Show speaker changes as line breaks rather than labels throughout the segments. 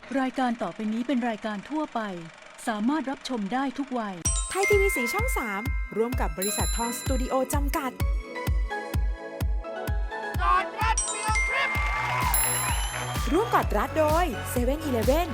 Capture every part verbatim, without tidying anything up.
รายการต่อไปนี้เป็นรายการทั่วไปสามารถรับชมได้ทุกวัย
ไทยทีวีสีช่องสามร่วมกับบริษัททองสตูดิโอจำกัด
กอดรัดฟิลทริป
ร่วมกอดรัดโดยเซเว่นอีเลฟเว่น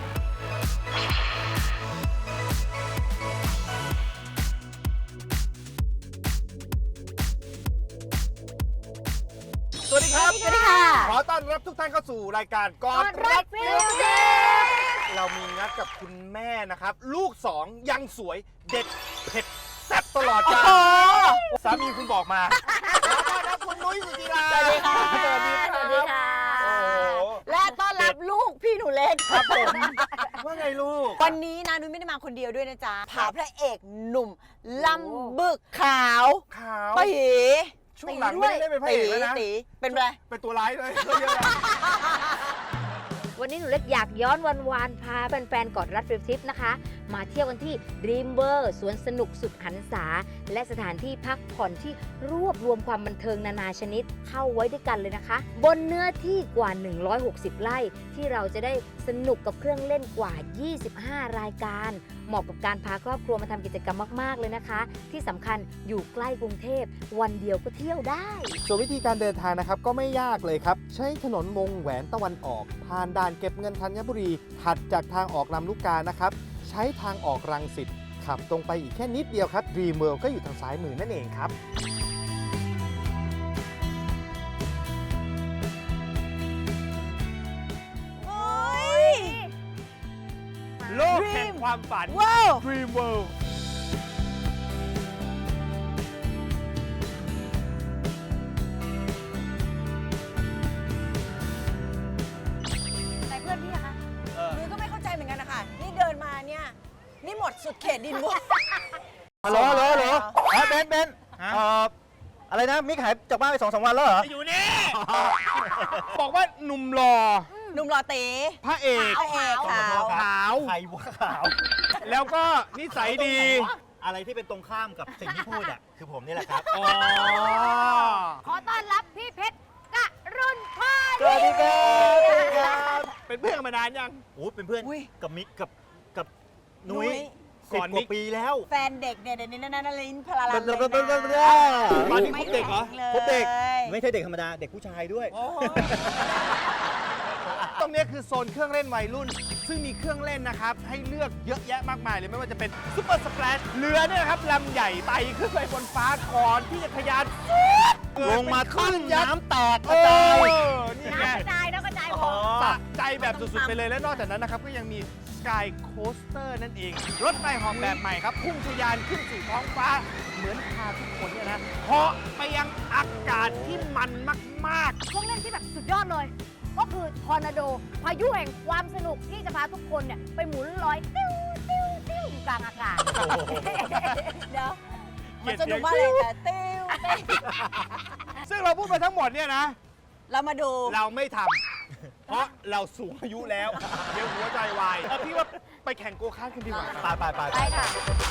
สวัสดีครับ
สวัสดีค่ะ
ขอต้อนรับทุกท่านเข้าสู่รายการกอดรัดฟิลทริปเรามีนัดกับคุณแม่นะครับ ลูกสองยังสวยเด็ดเผ็ดแซ่บตลอดกาลสามีคุณบอกมาขอต้อนรับคุณนุ้ยสุจิรา
สวัสดีค่ะ
สวัสดีครับ
สวัสดีค่ะ
โอ้โห
และต้อนรับลูกพี่หนูเล็ก
ครับผมว่าไงลูก
วันนี้นะนุ้ยไม่ได้มาคนเดียวด้วยนะจ๊ะพาพระเอกหนุ่มลำบึกขาว
ขาว
ไปหี
ช่วงหลังไม่ได้เล่นเป็นพระเอกแล้วนะ
ตีเป็นไร
เป็นตัวร้ายเลยเยอะแล้ว
วันนี้หนูเล็กอยากย้อนวันวานพาแฟนๆกอดรัดฟิลทริปนะคะ มาเที่ยวกันที่ Dream World สวนสนุกสุดหันษา และสถานที่พักผ่อนที่รวบรวมความบันเทิงนานาชนิดเข้าไว้ด้วยกันเลยนะคะ บนเนื้อที่กว่า หนึ่งร้อยหกสิบ ไร่ ที่เราจะได้สนุกกับเครื่องเล่นกว่า ยี่สิบห้า รายการ เหมาะกับการพาครอบครัวมาทำกิจกรรมมากๆเลยนะคะ ที่สำคัญอยู่ใกล้กรุงเทพวันเดียวก็เที่ยวได้
ส่วนวิธีการเดินทางนะครับก็ไม่ยากเลยครับ ใช้ถนนวงแหวนตะวันออก ผ่านด่านเก็บเงินธัญบุรี ถัดจากทางออกลำลูกกานะครับ ใช้ทางออกรังสิตขับตรงไปอีกแค่นิดเดียวครับ Dream World ก็อยู่ทางซ้ายมือนั่นเองครับ
โอ้ย
โลกแห่งความฝัน
ว้าว
Dream World
ไหนเพื่อนพี่อะคะนุ้ยก็ไม่เข้าใจเหมือนกันนะคะนี่เดินมาเนี่ยนี่หมดสุดเขตดินบุ
ฮัลโหลฮัลโหลฮัลโหลอ๋อเบนเบนเอ่ออะไรนะ มิกหายจากบ้านไปสองสามวันแล้วเหรอ
อยู่นี่ บอกว่าหนุ่มหล่อ
หนุ่มหล่อตี
พระเอก
พระเอกขาว
ขาว
ใครวะขาว
แล้วก็นิสัยดี
อะไรที่เป็นตรงข้ามกับสิ่งที่พูดอ่ะ คือผมนี่แหละครับ
อ๋อ
ขอต้อนรับพี่เพชรกะรุ่นพร
สวัสดีครับสวัสดีครับ
เป็นเพื่อนกันมานานยัง
โอ้เป็นเพื่อน
อุ๊ย
กับมิกกับกับนุ้
นุ้
ย
ย
สิบ
ก่อน
ก
มิ
ว่าก ปีแล้ว
แฟนเด็กเนี่ยเดี๋ยวนี้นั่นนั่นลินพลาลันเลย
เบิ่
นะ
มเบิ่มเบิ่มเบิ่ม
ตอนนี้คบเด็กเหรอ
ไม่แข็งเลย
พบเด็ก ไม่ใช่เด็กธรรมดา เด็กผู้ชายด้วย
โอ้โห
ตรงนี้คือโซนเครื่องเล่นวัยรุ่น ซึ่งมีเครื่องเล่นนะครับ ให้เลือกเยอะแยะมากมายเลยไม่ว่าจะเป็นซุปเปอร์สแปรชเรือเนี่ยนะครับลำใหญ่ไต่ขึ้นไปบนฟ้าก่อนที่จะทะยาน
ลงมาขึ้นน้ำแตกก
เอ
ระจาย
อนี่ไง
น้ำกระจายน้ำกระจายหมด
สะใจแบบสุดๆไปเลยและนอกจากนั้นนะครับก็ยังมี Sky Coaster นั่นเอง รถไฟเหอมแบบใหม่ครับ พุ่งทะยานขึ้นสู่ท้องฟ้า เหมือนพาทุกคนเนี่ยนะเหาะไปยังอากาศที่มันมาก
เครื่องเล่นที่แบบสุดยอดเลย ก็คือทอร์นาโด พายุแห่งความสนุกที่จะพาทุกคนเนี่ยไปหมุนลอยติ้วติ้วติ้วอยู่กลางอากาศ
เดี๋ยวมันสนุกมากเลยแต่ติ้วติ้ว
ๆ ซึ่งเราพูดมาทั้งหมดเนี่ยนะ
เรามาดู
เราไม่ทำ เพราะเราสูงอายุแล้ว เดี๋ยวหัวใจวายเออพี่ว่าไปแข่งโกคาร์ทกันดีกว่า
ไปไปไป
ไปค่ะ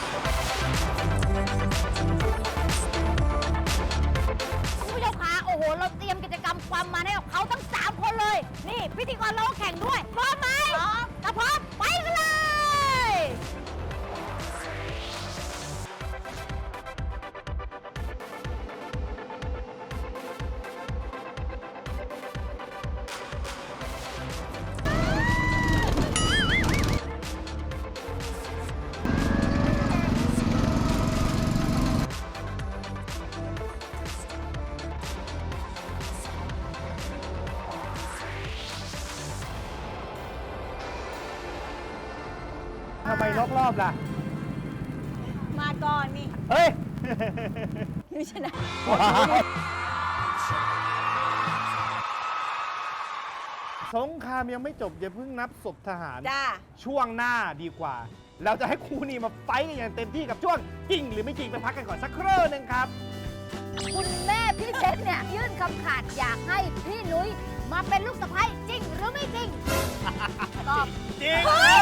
คุณผู้ชมคะโอ้โห เราเตรียมกิจกรรมความมันให้กับเขาทั้ง สาม คนเลย นี่ พิธีกรเราก็แข่งด้วย พร้อมไหมพร้อมถ้าพร้อม ไปกันเลย
ทำไมรอบๆล่ะ
มาก่อนนี่
เฮ้ย
ไม่ชนะ
สงครามยังไม่จบอย่าเพิ่งนับศพทหาร
จ้า
ช่วงหน้าดีกว่า เราจะให้คู่นี้มาไฟท์กันอย่างเต็มที่กับช่วงจริงหรือไม่จริงไปพักกันก่อนสักครู่หนึงครับ
คุณแม่พี่เพชรเนี่ย ยื่นคำขาดอยากให้พี่นุ้ยมาเป็นลูกสะใภ้จริงหรือไม่จริง ตอบ
จริง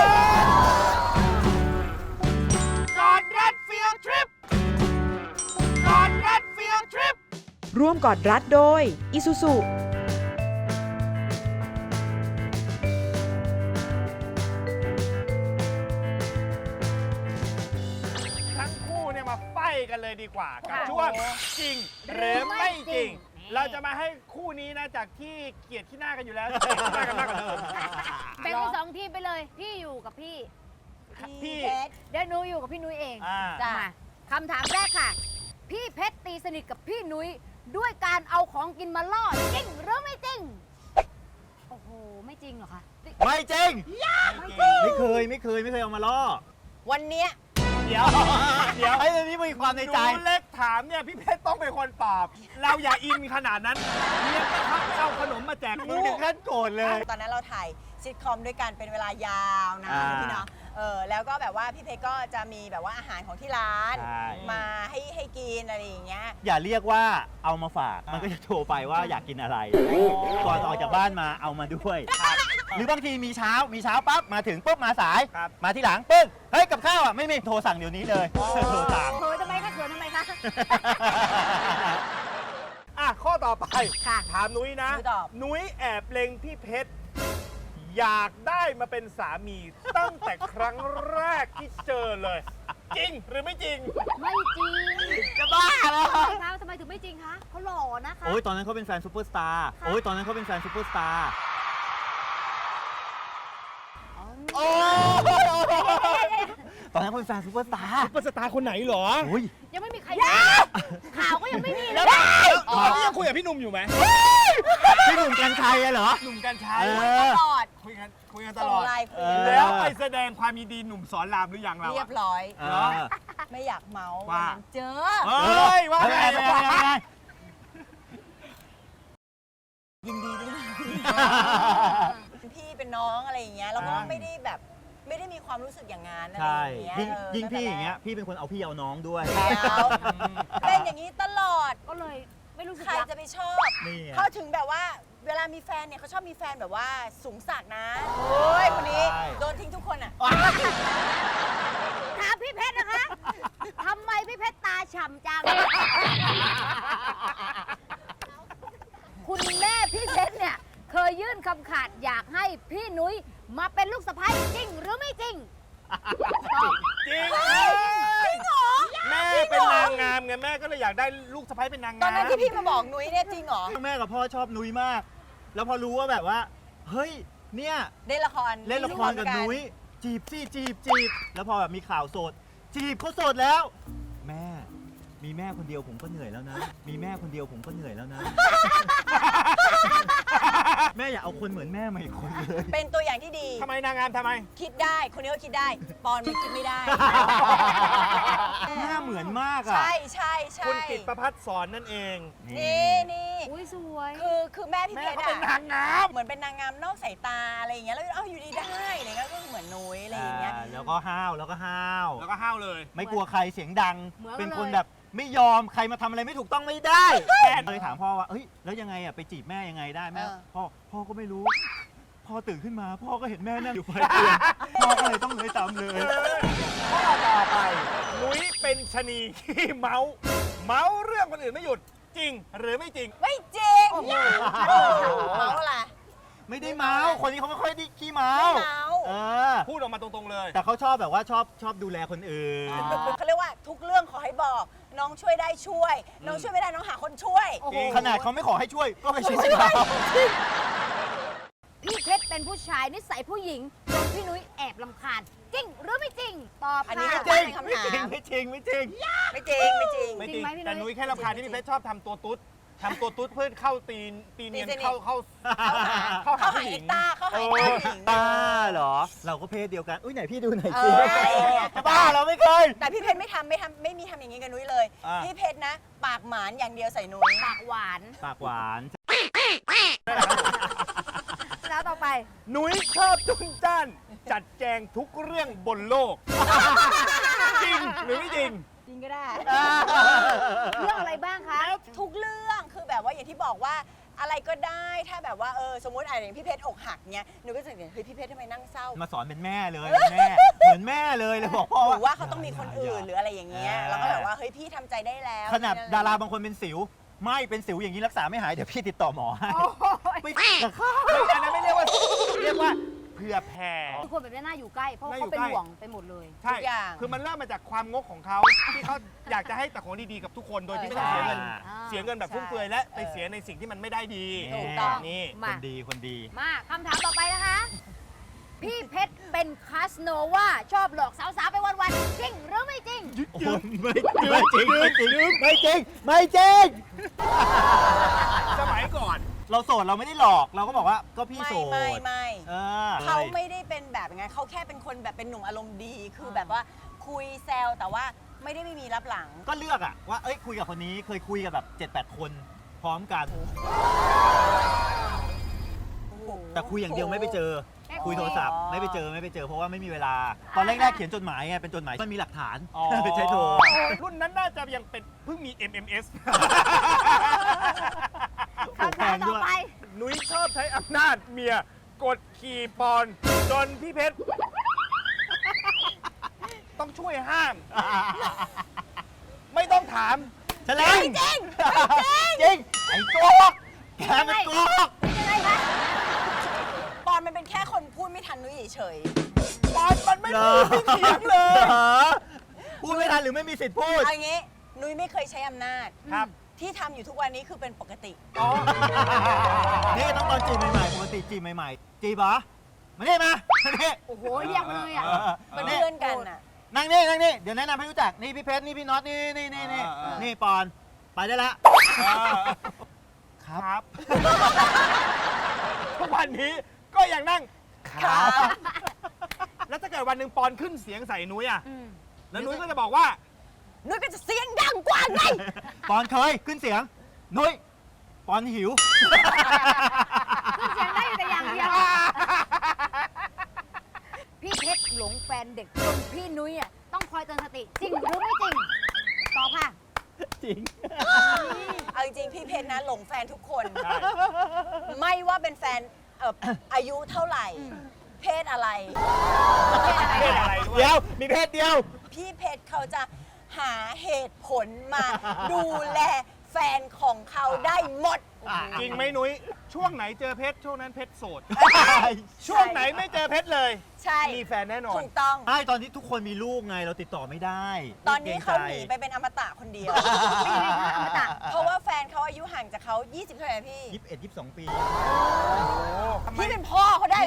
กอดรัดฟิลทริปกอดรัดฟิลทริป
ร่วมกอดรัดโดย Isuzu
กันเลยดีกว่ากับ
ค่ะ
ช่วงจริงหรือไม่จริง
นี่
เราจะมาให้คู่นี้นะจากที่เกลียดขี้หน้ากันอยู่แล้วเกลียดขี้หน้ากันมากกว่าเดิม
แบ่งเป็นสองทีมไปเลย พี่อยู่กับพี่
พี่
เพชร
เดี๋ยวหนูอยู่กับพี่นุ้ยเอง
อ่า
จ้ะ
มาคำถามแรกค่ะ พี่เพชรตีสนิทกับพี่นุ้ยด้วยการเอาของกินมาล่อจริงหรือไม่จริง โอ้โห ไม่จริงเหรอคะ
ไม่จริง
ไม่จริง
ไม่เคยไม่เคยไม่เคยเอามาล่อ
วันเนี้ย
เดี๋ยวเดี๋ยว
ไอ้เรื่องนี้มีความในใจ
หนูเล็กถามเนี่ยพี่เพชรต้องเป็นคนตอบ เราอย่าอินขนาดนั้นเรียกกระทั่งเอาขนมมาแจก
มึงถึงขั้นโกรธเลย
ตอนนั้นเราถ่ายซิทคอมด้วยกันเป็นเวลายาวนะ
อ่า
พี่เนาะเออแล้วก็แบบว่าพี่เพชรก็จะมีแบบว่าอาหารของที่ร้าน
ใช่
มาให้ให้กินอะไรอย่างเงี้ย
อย่าเรียกว่าเอามาฝาก มันก็จะโทรไปว่าอยากกินอะไร ก่อนออกจากบ้านมาเอามาด้วย หรือบางทีมีเช้ามีเช้าปั๊บมาถึงปุ๊บมาสาย
ครับ
มาที่หลังปึ๊บเฮ้ยกับข้าวอ่ะไม่มีโทรสั่งเดี๋ยวนี้เลยโทรสั่ง
เขินทำไมคะเขินทำไมคะ
อ่ะข้อต่อไป
ค่ะ
ถามนุ้ยนะ
นุ้ยตอบ
นุ้ยแอบเล็งพี่เพชรอยากได้มาเป็นสามีตั้งแต่ครั้งแรกที่เจอเลย จริงหรือไม่จริง
ไม่จริง
จะบ้าเหรอ
ทำไมคะทำไมถึงไม่จริงคะเขาหล่อนะคะ
โอ้ยตอนนั้นเขาเป็นแฟนซูเปอร์สตาร์โอ้ยตอนนั้นเขาเป็นแฟนซูเปอร์สตาร์โอ้ตอนนั้นเขาเป็นแฟนซูเปอร์สตาร์
ซุปเปอร์สตาร์คนไหนเหรอ
โอ้ย
ยังไม่มีใครข่าวก็ยังไม่มีเลย
อ๋อนี่ยังคุยกับพี่หนุ่มอยู่ไหม
พี่หนุ่มกัญชัยอะเหรอ
หนุ่มกันชัย
เอ
ตลอด
คุยกันคุยกันต
ส่ง
ลอด
ไลน์คุย
เออ
แล้วไปแสดงความยินดีหนุ่มสอนรามหรือยังเรา
เรีย
อะ
บร้อย
เออ
ไม่อยากเมาส์
ว่า
วันนั้นเจอ
เฮ้ยว่าไง
เฮ้ย
ว่า
เฮ้ย
ไง
เฮ้ย
ยินดีด้วยนะเป็นพี่เป็นน้องอะไรอย่างเงี้ยแล้วก็ไม่ได้แบบไม่ได้มีความรู้สึกอย่างนั้นอะไร
ใช่
อย่างเงี้ย
ยิ่ง
เออ
ยิ่งพี่
ตั้แต่
อย่างเงี้ย พี่เป็นคนเอาพี่เอาน้องด้วย
แล้วเป็นอย่างนี้ตลอด
ก็เลยไม่รู้สึก
ใคร
รัก
จะไปชอบ
นี่ไง
เขาถึงแบบว่าเวลามีแฟนเนี่ยเขาชอบมีแฟนแบบว่าสูงสักนะโอ้ยคนนี้
ใช่
โดนทิ้งทุกคนอ่ะ
ถามพี่เพชรนะคะทำไมพี่เพชรตาฉ่ำจัง คุณแม่พี่เพชรเนี่ยเคยยื่นคำขาดอยากให้พี่นุ้ยมาเป็นลูกสะใภ้จริงหรือไม่จริงตอบ
จริงแม่เป็นนางงามไงแม่ก็เลยอยากได้ลูกสะใภ้เป็นนางงาม
ตอนนั้นที่พี่มาบอกนุ้ยเนี่ยจริงเหรอ
แม่กับพ่อชอบนุ้ยมาก แล้วพอรู้ว่าแบบว่า เฮ้ย เนี่ย
เล่นละคร
เล่นละครกับนุ้ย จีบสิจีบจีบ แล้วพอแบบมีข่าวโสด จีบเขาโสดแล้ว แม่ มีแม่คนเดียวผมก็เหนื่อยแล้วนะ มีแม่คนเดียวผมก็เหนื่อยแล้วนะ แม่อย่าเอาคนเหมือนแม่มาอีกคนเลย
เป็นตัวอย่างที่ดี
ทำไมนางงามทำไม
คิดได้คนนี้ก็คิดได้ ปอนมันคิดไม่ได้
หน้าเหมือนมากอ่ะ
ใช่ใช่ใช่
คุณกิตประพัฒน์สอนนั่นเอง
นี่นี่
อุ้ยสวย
คือคือแม่พี่
แม่
เพชร
เขาเป็น
อะ
นางงาม
เหมือนเป็นนางงามนอกสายตาอะไรอย่างเงี้ยแล้วเอ้าอยู่ดีได้อะไรเงี้ยก็เหมือนนุ้ยอะไรอย่างเงี้ย
อ่าแล้วก็ห้าวแล้วก็ห้าว
แล้วก็ห้าวเลย
ไม่กลัวใครเสียงดัง
เหมือนกัน
เป็นคน
เลย
แบบไม่ยอมใครมาทำอะไรไม่ถูกต้องไม่ได้แม่เลยถามพ่อว่าเฮ้ยแล้วยังไงอ่ะไปจีบแม่ยังไงได้แม่
เออ
พ่อพ่อก็ไม่รู้ พ่อตื่นขึ้นมา พ่อก็เห็นแม่นั่งอยู่ปลายเตียงพ่อก็เลยต้องเลยตามเลย
ข้อต่อไปนุ้ยเป็นชะนีขี้เมาส์เมาส์เรื่องคนอื่นไม่หยุดจริงหรือไม่จริง
ไม่จริงเมาอะไร
ไม่ได้เมาส์คนนี้เขาไม่ค่อยได้ขี้เมา
ไม่
ส์
เมา
เออ
พูดออกมาตรงๆเลย
แต่เขาชอบแบบว่าชอบชอบดูแลคนอื่น
เขาเรียกว่าทุกเรื่องขอให้บอก น้องช่วยได้ช่วย น้องช่วยไม่ได้น้องหาคนช่วย
โอ้โห
ขนาดเขาไม่ขอให้ช่วยก็ไปช่วย
ช่วย
เขา
พี่เพชรเป็นผู้ชายนิสัยผู้หญิงจนพี่นุ้ยแอบลำคาญจริงหรือไม่จริง ตอบ
อันนี้
ค่ะ
ก็
จริง
เป็นคำ
ไม่
ถา
จริง
ม
ไม่จริงไม่จริง
ไม่จริงไม่จริง
ไม่
จ
จ
ริ
ริ
ง
ง
ไหมพี่นุ้ย
แต่นุ้ยแค่รำคาญที่พี่เพชรชอบทำตัวตุ๊ดทำตัวตุ๊ดเพื่อเข้าตีนตีเนียน
ตีสนิท
เข้าเข้า
เข้าหา
เข้าหา
เข้า
ผู้
หา
ห
เอ
ญิง
กต้าเข้าหาเอกต้าผู้หญิง
ตาเหรอ เราก็เพศเดียวกัน อุ้ยไหนพี่ดูหน่อย
เอ
สิ
อ
จะบ้าเราไม่เคย
แต่พี่เพชรไม่ทำไม่ทำไม่มีทำอย่างนี้กับนุ้ยเลย
อ่า
พี่เพชรนะ ปากหมานอย่างเดียวใส่นุ้ย
ปากหวาน
ปากหวาน
แล้วต่อไป
นุ้ยชอบจุนจ้านจัดแจงทุกเรื่องบนโลก จริงหรือไม่จริง
จริงก็ได้
เรื่องอะไรบ้างคะ
ทุกเรื่องคือแบบว่าอย่างที่บอกว่าอะไรก็ได้ถ้าแบบว่าเออสมมติอะไรอย่างพี่เพชรอกหักเนี้ยหนูก็จะเฮ้ยพี่เพชรทำไมนั่งเศร้า
มาสอนเป็นแม่เลยเป็นแม่ เหมือนแม่เลยเลยบอกพ่อ
หรือว่าเขาต้องมีคนอื่นหรืออะไรอย่างเงี้ย
อ่า
แล้วก็แบบว่าเฮ้ยพี่ทำใจได้แล้ว
ขนาดดาราบางคนเป็นสิว ไม่เป็นสิวอย่างนี้รักษาไม่หาย เดี๋ยวพี่ติดต่อหมอให้
โอ้ย
ไม่กับข้าว
ไม่อันนั้นไม่เรียกว่า เรียกว่า
เ
ผื่อแผ่
ทุกคนแบบนี้น่าอยู่ใกล้ เพราะว่า
น่าอยู่
เขาเป็น
ใกล้
ห่วงไปหมดเลย
ใช่
ทุกอย่าง
คือมันเริ่มมาจากความงกของเขาที่เขาอยากจะให้แต่ของดีๆกับทุกคนโดยที่ไม่ต้องเสียเงิน
อ่า
เสียเงินแบบฟุ่มเฟือยและไปเสียในสิ่งที่มันไม่ได้ดี
ถูกต้อง
นี่
ค
มา
นดีคนดี
มาคำถามต่อไปนะคะ พี่เพชรเป็นคาสโนวาชอบหลอกสาวๆไปวันๆจริงหรือไม่จริง
โอ้โหไม่ไม่จริงไม่จริงไม่จริงไม่จริง
สมัยก่อน
เราโสดเราไม่ได้หลอกเราก็บอกว่าก็พี่
ไม่
โสด
ไม่ไม่
เออ
เขาไม่ได้เป็นแบบอย่างนั้นเขาแค่เป็นคนแบบเป็นหนุ่มอารมณ์ดี คือแบบว่าคุยแซวแต่ว่าไม่ได้ไม่มีรับหลัง
ก็เลือกอะว่าเอ้ยคุยกับคนนี้เคยคุยกับแบบเจ็ดแปดคนพร้อมกัน แต่คุยอย่างเดียวไม่ไปเจอ
โอ้โห
คุยโทรศัพท์ไม่ไปเจอไม่ไปเจอเพราะว่าไม่มีเวลา ตอนแรกๆเขียนจดหมายไงเป็นจดหมายมันมีหลักฐาน
อ๋อ
ไปใช้โทร
รุ่นนั้นน่าจะยังเป็นเพิ่งมี เอ็ม เอ็ม เอส
คำถามต่อไป
นุ้ยชอบใช้อำนาจเมียกดขี่ปอนจนพี่เพชร ต้องช่วยห้าม ไม่ต้องถาม
แฉลงจริงจริงไอ้โกกแกมันโกก
ยังไงคะ
ปอนมันเป็นแค่คนพูดไม่ทันนุ้ยเฉย
ปอนมันไม่พูดไม่เถียงเลย
หรอพูดไม่ทันหรือไม่มีสิทธิ์พูด
ๆเอางี้นุ้ยไม่เคยใช้อำนาจ
ครับ
ที่ทำอยู่ทุกวันนี้คือเป็นปกติ
อ๋อ
นี่ต้องตอนจีบใหม่ๆปกติจีบใหม่ๆจีบเหรอมานี่มามานี่
โอ้โหเรียกมาเลยอ่ะ
เป็นเพื่อนกันอ่ะ
นั่งนี่นั่งนี่เดี๋ยวแนะนำให้รู้จักนี่พี่เพชรนี่พี่น็อตนี่นี่นี่นี่นี่ปอนไปได้ละ
ครับ ทุกวันนี้ก็ยังนั่งครับ แล้วถ้าเกิดวันหนึ่งปอนขึ้นเสียงใส่นุ้ยอ่ะ
อืม
แล้วนุ้ยก็จะบอกว่า
นุ้ยก็จะเสียงดังกว่าไง
ปอนเคยขึ้นเสียงนุ้ยปอนหิว
ขึ้นเสียงได้แต่อย่างเดียว พี่เพชรหลงแฟนเด็กจนพี่นุ้ยอ่ะต้องคอยเตือนสติจริงหรือไม่จริงตอบค่ะ
จริง
เอาจริงๆพี่เพชรนะหลงแฟนทุกคน
ใช่
ไม่ว่าเป็นแฟนเอ่ออายุเท่าไหร่ เพศอะไร
เพศอะไรด้วย
เดียวมีเพศเดียว
พี่เพชรเขาจะหาเหตุผลมาดูแลแฟนของเขาได้หมด
จริงไหมนุ้ย ช่วงไหนเจอเพชรช่วงนั้นเพชรโสด ช่วงไหนไม่เจอเพชรเลย
ใช่
มีแฟนแน่นอน
ถูกต้อง
ใช่ตอนที่ทุกคนมีลูกไงเราติดต่อไม่ได้
ตอนนี้เขา
กรง
ห
ใจ
นีไปเป็นอมตะคนเดียว
เป็นยังไงคะอมตะ
เพราะว่าแฟนเขาอายุห่างจากเขายี่สิบเท่าไหร่พี่
ยี่สิบเอ็ดยี่สิบสองปี
พี่เป็นพ่อเขาได้เลย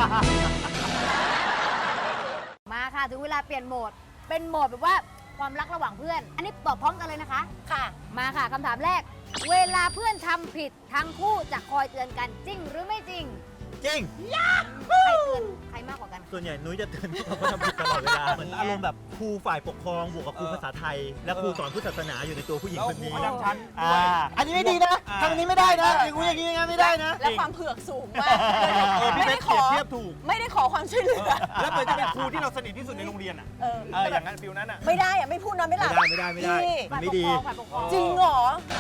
มาค่ะถึงเวลาเปลี่ยนโหมด เป็นโหมดแบบว่าความรักระหว่างเพื่อน อันนี้ตอบพร้อมกันเลยนะคะ
ค่ะ
มาค่ะคำถามแรก เวลาเพื่อนทำผิดทั้งคู่จะคอยเตือนกันจริงหรือไม่จริง
จริง
ใครเตือนใครมากกว่ากัน
ส่วนใหญ่นุ้ยจะเตือนพวกเราว่าทำผิดตลอดเวลาเหมือนอารมณ์แบบครูฝ่ายปกครองบวกกับครูภาษาไทย และครูสอนพุทธศาสนาอยู่ในตัวผู้หญิง
แล้ว
คน
ครู
นี้
ประจำชั้น
อ่า
ด้วย
อันนี้ไม่ดีนะ
อ่า
ทำอันนี้ไม่ได้นะอย่างงูอย่างนี้อย่างนั้นไม่ได้นะ
และความเผือกสูงมาก
เออพี่
ไม่
เพ
ได้
ชร
ข
เปรีย
อ
บเทียบถูก
ไม่ได้ขอความช่วยเหลือ
แล้วเหมือนจะเป็นครูที่เราสนิทที่สุดในโรงเรียนอ่ะ
เออ
เออ อย่างนั้นฟิลนั้นอ่ะ
ไม่ได้อะไม่พูดนอนไม่หลับ
ไม่ได้ไม่ได้ไม่ได้
พี่
มันไม่ดี
ฝ่ายปกครอง
จริงเหรอ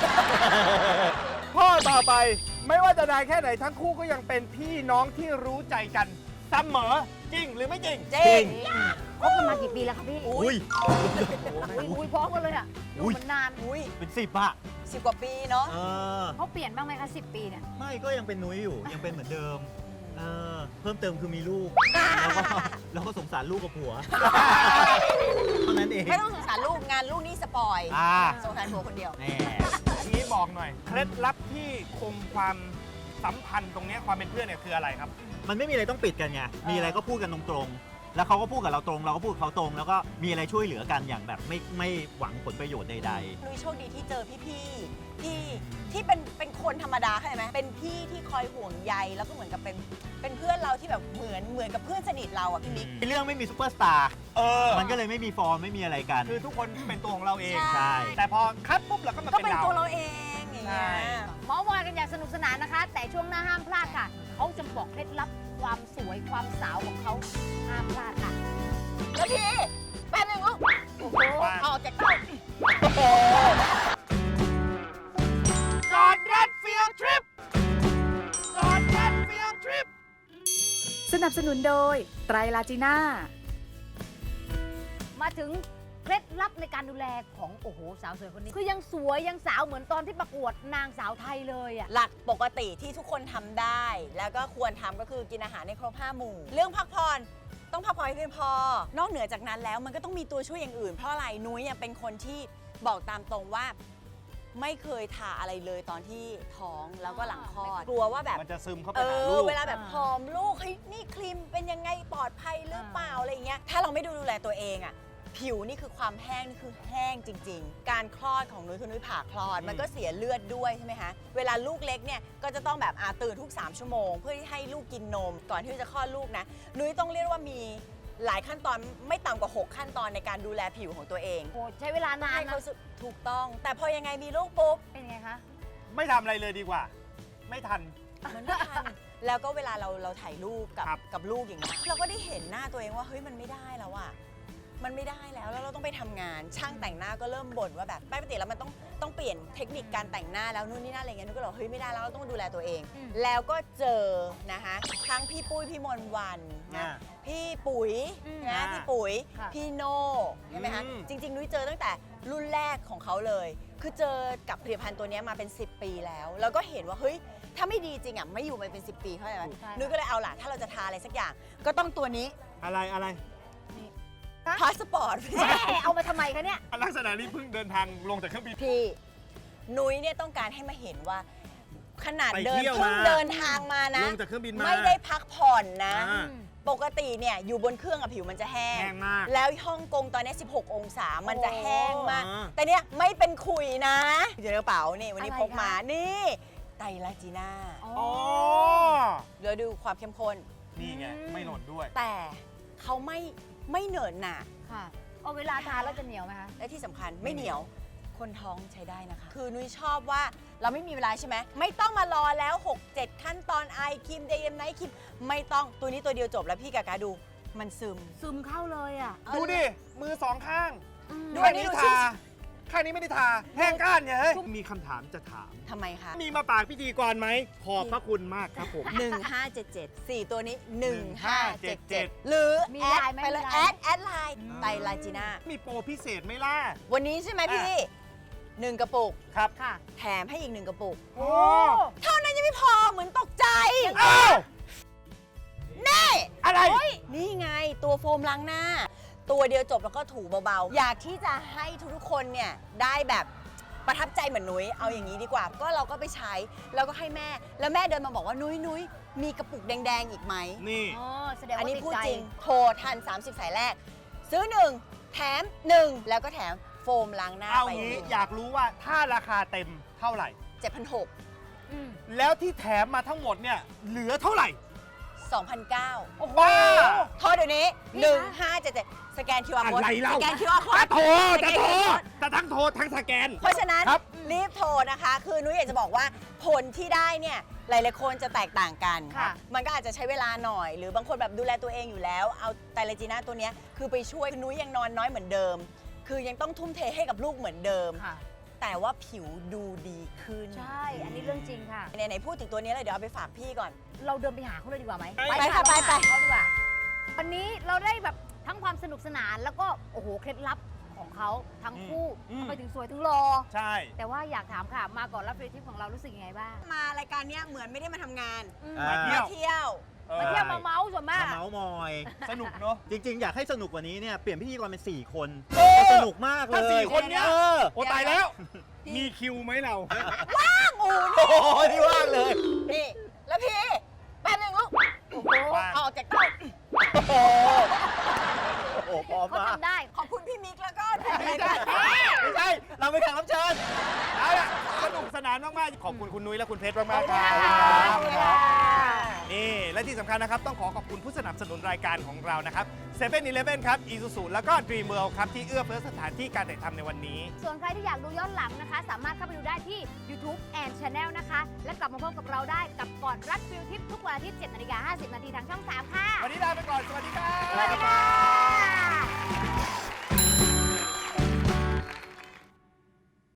ข้อต่อไป ไม่ว่าจะนานแค่ไหนทั้งคู่ก็ยังเป็นพี่น้องที่รู้ใจกันเสมอจริงหรือไม่จริง
จริง
คบกันมากี่ปีแล้วคะพี่
อุ้ย
อุ้ยอุ้ยพร้อมกันเลยอ่ะดู
อุ๊ย
มันนาน
อุ้ย
เป็นสิบอะ
สิบกว่าปีเนาะ
เออ
เขาเปลี่ยนบ้างไหมคะสิบปีเนี่ย
ไม่ก็ยังเป็นนุ้ยอยู่ยังเป็นเหมือนเดิมเออเพิ่มเติมคือมีลูก แล้วก็แล้วก็สงสารลูกกับผัวเท่านั้นเอง
ไม่ต้องสงสารลูกงานลูกนี่สปอย
อ่า
สงสารผัวคนเดียว
แน่
ทีนี้บอกหน่อย เคล็ดลับที่คงความสัมพันธ์ตรงเนี้ยความเป็นเพื่อนเนี่ยคืออะไรครับ
มันไม่มีอะไรต้องปิดกันไงมีอะไรก็พูดกันตรงๆแล้วเขาก็พูดกับเราตรง เราก็พูดกับเขาตรง แล้วก็มีอะไรช่วยเหลือกันอย่างแบบไม่ไม่หวังผลประโยชน์ใด
นุ้ยโชคดีที่เจอพี่ๆที่ที่เป็นเป็นคนธรรมดาเข้าใจไหมเป็นพี่ที่คอยห่วงใยแล้วก็เหมือนกับเป็นเป็นเพื่อนเราที่แบบเหมือนเหมือนกับเพื่อนสนิทเราอ่ะพี่มิก
ๆเรื่องไม่มีซูเปอร์สตาร์
เออ
มันก็เลยไม่มีฟอร์มไม่มีอะไรกัน
คือทุกคนเป็นตัวของเราเอง
ใช่
แต่พอคัดปุ๊บเราก็มา
ก็
เป็น
เป็น
เรา
ตัวเราเองอย่างเงี้ย
ใช่
หมอวอยกันอย่างสนุกสนานนะคะ แต่ช่วงหน้าห้ามพลาดค่ะ เขาจะบอกเคล็ดลับความสวยความสาวของเขาห้ามพลาดค่ะ
แล้วพี่แป๊บนึงลูกโอ้โหออกจากเต้า
กอดรัดฟิลทริปกอดรัดฟิลทริป
สนับสนุนโดยไตรลาจีน่า
มาถึงเคล็ดลับในการดูแลของโอ้โหสาวสวยคนนี้ คือยังสวยยังสาวเหมือนตอนที่ประกวดนางสาวไทยเลยอ่ะ
หลักปกติที่ทุกคนทำได้ แล้วก็ควรทำก็คือกินอาหารในครบห้าหมู่ เรื่องพักผ่อนต้องพักผ่อนให้เพียงพอ นอกเหนือจากนั้นแล้วมันก็ต้องมีตัวช่วยอย่างอื่น เพราะอะไรนุ้ยเนี่ยเป็นคนที่บอกตามตรงว่าไม่เคยทาอะไรเลยตอนที่ท้องแล้วก็หลังคลอดกลัวว่าแบบ
มันจะซึมเข้าไป
เอ
หา
อ
ลูก
เวลาแบบผอมลูกเฮ้ยนี่ครีมเป็นยังไงปลอดภัยหรือเปล่าอะไรอย่างเงี้ยถ้าเราไม่ดูแลตัวเองอ่ะผิวนี่คือความแห้งนี่คือแห้งจริง ๆ การคลอดของนุ้ยคือนุ้ยผ่าคลอด มันก็เสียเลือดด้วยใช่ไหมคะเวลาลูกเล็กเนี่ยก็จะต้องแบบอาตื่นทุกสามชั่วโมงเพื่อที่ให้ลูกกินนม ก่อนที่จะคลอดลูกนะนุ้ยต้องเรียกว่ามีหลายขั้นตอนไม่ต่ำกว่าหกขั้นตอนในการดูแลผิวของตัวเอง
โอ้ใช้เวลานาน
ให้
นะ
เขาสึกถูกต้อง แต่พอยังไงมีลูกปุ๊บ
เป็นไงคะ
ไม่ทำอะไรเลยดีกว่า ไม่ทัน
มันไม่ทัน แล้วก็เวลาเราเราถ่ายรูปกับ
ครับ
กับลูกอย่างเงี้ยเราก็ได้เห็นหน้าตัวเองว่าเฮ้ยมันไม่ได้แล้วอะมันไม่ได้แล้วแล้วเราต้องไปทำงาน ช่างแต่งหน้าก็เริ่มบ่นว่าแบบปกติแล้วมันต้องต้องเปลี่ยนเทคนิคการแต่งหน้าแล้วนู่นนี่นั่นอะไรเงี้ยนุ้ยก็เลยบอกเฮ้ยไม่ได้แล้วเราต้องดูแลตัวเอง
อืม
แล้วก็เจอนะคะทั้งพี่ปุ้ยพี่มนต์วันนะ
อ่า
พี่ปุ๋ย
อืม
นะ
อ่า
พี่ปุ๋ย
ค่ะ
พี่โน่ใช่ไหมคะ
อืม
จริงๆนุ้ยเจอตั้งแต่รุ่นแรกของเขาเลย คือเจอกับผลิตภัณฑ์ตัวเนี้ยมาเป็น สิบ ปีแล้ว แล้วก็เห็นว่าเฮ้ยถ้าไม่ดีจริงอ่ะไม่อยู่มาเป็น สิบ ปีเข้าใจไหม
ใช่ค่ะ
นุ้ยก็เลยเอาล่ะถ้าเราจะทาอะไรสักอย่าง ก็ต้องตัวนี้
อะไรอะไร
พาสปอร์ต
แม่เอามาทำไมคะเนี่ย
ลักษณะนี้เพิ่งเดินทางลงจากเครื่องบิน
พี่นุ้ยเนี่ยต้องการให้มาเห็นว่า ขนาด
ไป
เดิน
เที่ยว
เพิ่ง
มา
เดินทางมานะ
ลงจากเครื่องบินมา
ไม่ได้พักผ่อนนะ
อ่า
ปกติเนี่ยอยู่บนเครื่องอะผิวมันจะแห้ง
แห้งมาก
แล้วฮ่องกงตอนนี้ สิบหก องศา มันจะแห้งมาก
อ่า
แต่เนี่ยไม่เป็นขุยนะอยู่ในกระเป๋านี่วันนี้
อะไร
พกมา
คะ
นี่ไตรลาจีน่า
อ๋อ
อ๋อ
เดี๋ยวดูความเข้มข้น
นี่ไง
อืม
ไม่หล่นด้วย
แต่เขาไม่ไม่เหนอะหนะ
ค่ะเอาเวลาทานแล้วจะเหนียวไหมคะ
และที่สำคัญไม่เหนียว คนท้องใช้ได้นะคะ คือนุ้ยชอบว่าเราไม่มีเวลาใช่ไหม ไม่ต้องมารอแล้ว หกเจ็ด ขั้นตอนไอครีมเดย์ไนท์ครีมไม่ต้องตัวนี้ตัวเดียวจบแล้วพี่กากาดู มันซึม
ซึมเข้าเลยอ่ะ
ดูดิ มือสองข้าง
อืม
ดู
ข้า
อั
ง
นนี้
นี้
ดู
ทา ข้างนี้ไม่ได้ทา แห้งก้านเนี่ยเฮ้ย มีคำถามจะถาม
ทำไมคะ
มีมาปากพิธีกรไหม ขอบพระคุณมากครับผม
หนึ่งห้าเจ็ดเจ็ด สี่ตัวนี้หนึ่งห้าเจ็ดเจ็ด
ห
หรือ
มี
แอ
ไล
ด
น์ไหม
ไปเลย
มีไลน์
แอดแอดไลน์ไตรลาจีน่า
มีโปรพิเศษไหมล่ะ
วันนี้ใช่ไหมพี่หนึ่งกระปุก
ครับ
ค่ะ
แถมให้อีกหนึ่งกระปุก
โอ้
เท่านั้นยังไม่พอเหมือนตกใจ
อ้าว
นี่
อะไร
นี่ไงตัวโฟมล้างหน้า ตัวเดียวจบแล้วก็ถูเบาๆ อยากที่จะให้ทุกๆคนเนี่ยได้แบบประทับใจเหมือนนุ้ยเอาอย่างนี้ดีกว่า ก็เราก็ไปใช้แล้วก็ให้แม่ แล้วแม่เดินมาบอกว่านุ้ยนุ้ยมีกระปุกแดงๆอีกไหม
นี่
อ๋อแสดง
อัน
ว่า
นี้
ติด
พูด
ใจ
จริง โทรทัน สามสิบ สายแรก ซื้อหนึ่งแถมหนึ่งแล้วก็แถมโฟมล้างหน้า
เอา
ไป
งี้อยากรู้ว่าถ้าราคาเต็มเท่าไหร่
เจ็ดพันหก
อืม
แล้วที่แถมมาทั้งหมดเนี่ยเหลือเท่าไหร่
สองพันเก้า
ว้า
โทรเดี๋ยวนี้หนึ่งห้าเจ็ดเจ็ดสแกน คิว อาร์
อะ
โค้ด
ไรเล่า
สแกน คิว อาร์ โค้
จะ
ด
โทร
ส
จะ
แกน
โทร
คิวอาร์ โค้ด
จะทั้งโทรทั้งสแกน
เพราะฉะนั้น
ครับ
รีบโทรนะคะ คือนุ้ยอยากจะบอกว่าผลที่ได้เนี่ยหลายๆคนจะแตกต่างกัน
ค่ะ
มันก็อาจจะใช้เวลาหน่อย หรือบางคนแบบดูแลตัวเองอยู่แล้ว เอาไตรลาจีน่าตัวเนี้ยคือไปช่วยนุ้ยยังนอนน้อยเหมือนเดิม คือยังต้องทุ่มเทให้กับลูกเหมือนเดิม
ค่ะ
แต่ว่าผิวดูดีขึ้น
ใช่ อันนี้เรื่องจริงค่ะ
ไหนๆพูดถึงตัวนี้เลยเดี๋ยวเอาไปฝากพี่ก่อน
เราเดินไปหาเขาเลยดีกว่าไหม
ไป
ค่ะไปไป
เขาดีกว่า วันนี้เราได้แบบทั้งความสนุกสนานแล้วก็โอ้โหเคล็ดลับของเขาทั้งคู่
อืม
ทำไมถึงสวยถึงหล่อ
ใช่
แต่ว่าอยากถามค่ะ มาก่อนรับฟรีทิปของเรารู้สึกยังไงบ้าง
มารายการเนี้ยเหมือนไม่ได้มาทำงาน
มา เที่ยว
มาเที่ยว
มาเที่ยวมาเมาส์ส่วนมาก
มาเมาส์มอย
สนุกเนาะ
จริง ๆ อยากให้สนุกกว่านี้เนี่ยเปลี่ยนพิธีกรเป็น สี่ คน
เออ
สนุกมากเลย
ถ้าสี่คนเนี้ย
เออ
โอ้ตายแล้ว มีคิวไหมเรา
งู
โอ้โหนี่ว่างเลย
นี่แล้วพี่แป๊บนึงลูกโอ้โห
ว่าง
ออกจากเต้า
โอ้โหโอ้โหพร้อม
เขา
มาก
ทำได้
ขอบคุณพี่มิกแล้วก็พี่
ไม่
มิก
ใช่
ไม่ใช่ เราไปแข่งรับเชิญ
เอาล่ะสนุกสนานมากๆ ขอบคุณคุณนุ้ยและคุณเพชรมากๆครั
ขอบ
บ
คุณค่ะ
นี่ และที่สำคัญนะครับ ต้องขอขอบคุณผู้สนับสนุนรายการของเรานะครับเซเว่นอีเลฟเว่นครับ Isuzu แล้วก็ Dream World ครับ ที่เอื้อเฟื้อสถานที่การถ่ายทำในวันนี้
ส่วนใครที่อยากดูย้อนหลังนะคะ สามารถเข้าไปดูได้ที่ YouTube and Channel นะคะ และกลับมาพบกับเราได้กับก่อนรัดฟิลทิปทุกวันอาทิตย์เจ็ดนาฬิกาห้าสิบนาทีทางช่องสามค่ะ
วันนี้ลาไปก่อน สวัสดีครับ
สวัสดีค่ะ